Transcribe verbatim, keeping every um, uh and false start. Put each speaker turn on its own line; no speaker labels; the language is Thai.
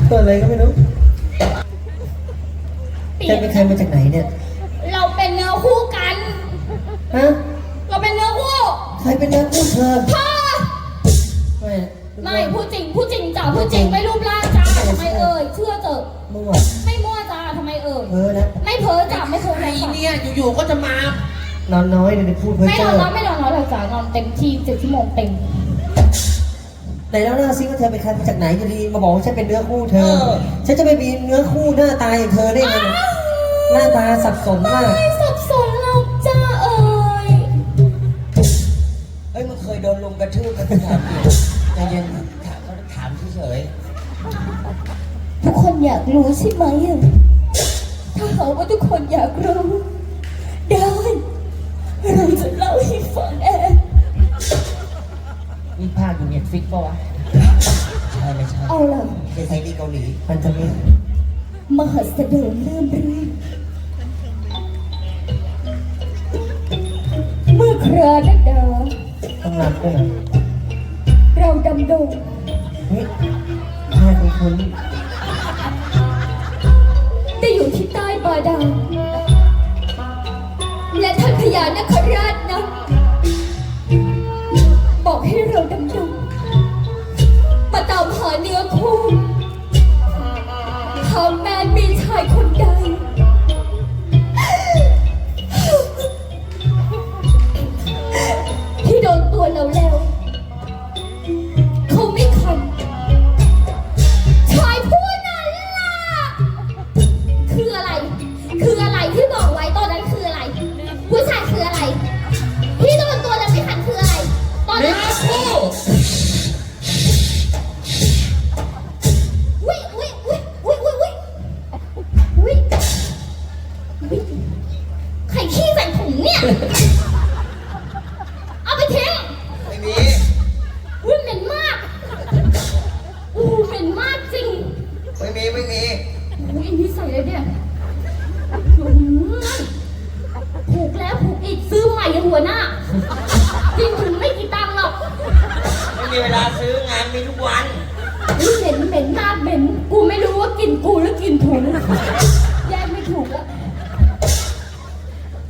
ตัวอะไรก็ไม่รู้แกเป็นใครมาจากไหนเนี่ย
เราเป็นเนื้อคู่กัน
ฮะ
เราเป็นเนื้อคู่
ใครเป็นเนื้อคู่เธอ
พ่อ
ไม่
ไม่พูดจริงพูดจริงจ้าพูดจริงไม่รูปร่างจ้าทำไมเอ่ยเชื่อเถอะ
มั่ว
ไม่มั่วจ้าทำไมเอ่ย
เพ้อนะ
ไม่เพ้อจ้าไม่เพ้อ
ไอ้เนี่ยอยู่ๆก็จะมาน
อนน้อยเลยพูดเพ้อ
ไม่นอนน้อยไม่นอนน้อยเลยจ้านอนเต็มที่เจ็ดชั่วโมงเต็ม
ไหนแล้วหน้าซิว่าเธอเป็นใครมาจากไหนอยู่ดีมาบอกว่าฉันเป็นเนื้อคู่เธอฉันจะไปมีเนื้อคู่หน้าตาอย่างเธอได้ไงหน้าตาสับสนมาก
ไม่สับสนเราจ้าเอ่ย
เอ้ยมึงเคยโดนลุมกระทืบกันถามใจเย็นถามเขาถามเฉย
ทุกคนอยากรู้ใช่ไหมถ้าหากว่าทุกคนอยากรู้ได้เราจะเล่าให้ฟังเอง
มีภาคอยู่เน็ตฟิกป่ะวะใช่ไม่ใช่
เอาล่ะ
เป็นไทยดีเกาหลี
มันจะมี
มหัสเดิมเริ่มเรื่องเมื่อคราดดา
ต้องรับด้วยนะ
เราดำดง
เฮ้ยแค่คุณคุณ
ได้อยู่ที่ใต้บาดาลและท่านพญานคราชนะบอกให้เราดำดงมาตามหาเนื้อคู่หากแม้มีชายคนใดที่โดนตัวเราแล้วเขาไม่คันชายผู้นั้นล่ะคืออะไรคืออะไรที่บอกไว้ตอนนั้นคืออะไรผู้ชายคืออะไรที่โดนตัวแล้วไม่คันคืออะไรตอนนั้นอุ้ยอุ้ยอุ้ยอุ้ยอุ้ยอุ้ยอุ้ยอุ้ยใครขี้ใส่ถุงเนี่ยเอาไปทิ้ง
ไม่มี
อุ้ยเหม็นมากอู้เหม็นมากจริง
ไม่มีไม่มี
อุ้ยอันนี้ใส่เลยเนี่ยผูกแล้วผูกอีกซื้อใหม่ยังหัวหน้าจริงถึงไม่กี่ตังค์หรอก
ไม่มีเวลาซื้องานมีทุกวัน
เหม็นเหม็นมากเหม็นกูไม่รู้ว่ากินกูหรือกินถุง